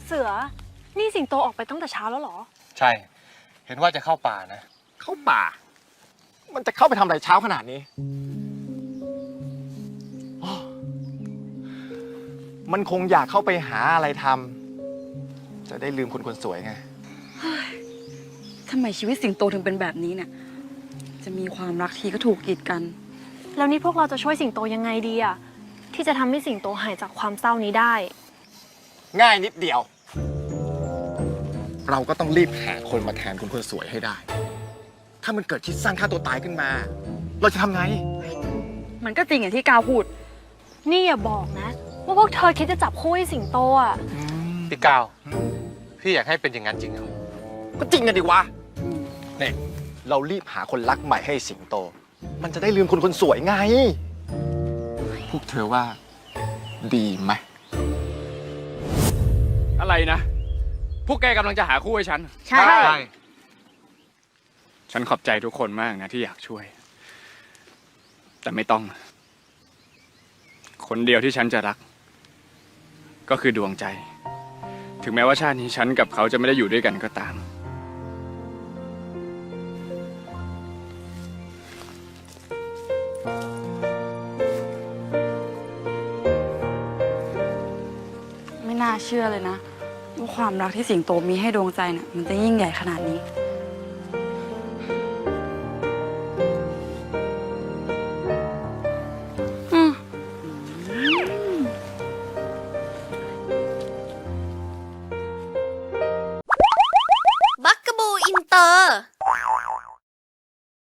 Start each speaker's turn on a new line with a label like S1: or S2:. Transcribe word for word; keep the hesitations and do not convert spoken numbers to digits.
S1: เสือนี่สิงโตออกไปตั้งแต่เช้าแล้วเหรอ
S2: ใช่เห็นว่าจะเข้าป่านะ
S3: เข้าป่ามันจะเข้าไปทำอะไรเช้าขนาดนี้มันคงอยากเข้าไปหาอะไรทำจะได้ลืมคนคนสวยไง
S4: ทำไมชีวิตสิงโตถึงเป็นแบบนี้เนี่ยจะมีความรักทีก็ถูกกีดกัน
S1: แล้วนี่พวกเราจะช่วยสิงโตยังไงดีอะที่จะทำให้สิงโตหายจากความเศร้านี้ได้
S3: ง่ายนิดเดียวเราก็ต้องรีบหาคนมาแทนคนคนสวยให้ได้ถ้ามันเกิดคิดสั้นฆ่าตัวตายขึ้นมาเราจะทำไง
S4: มันก็จริงอย่างที่กาวพูด
S1: นี่อย่าบอกนะว่าพวกเธอคิดจะจับคู่ให้สิงโตอ่ะ
S2: พี่กาวพี่อยากให้เป็นอย่างนั้นจริงเหรอ
S3: ก็จริงกันดิวะเนี่ยเรารีบหาคนรักใหม่ให้สิงโตมันจะได้ลืมคนคนสวยไงพวกเธอว่าดีไหม
S5: อะไรนะพวกแกกำลังจะหาคู่ให้ฉัน
S1: ใช่
S5: ฉันขอบใจทุกคนมากนะที่อยากช่วย แต่ไม่ต้อง คนเดียวที่ฉันจะรัก ก็คือดวงใจ ถึงแม้ว่าชาตินี้ฉันกับเขาจะไม่ได้อยู่ด้วยกันก็ตาม
S4: ไม่น่าเชื่อเลยนะว่าความรักที่สิงโตมีให้ดวงใจเนี่ยมันจะยิ่งใหญ่ขนาดนี้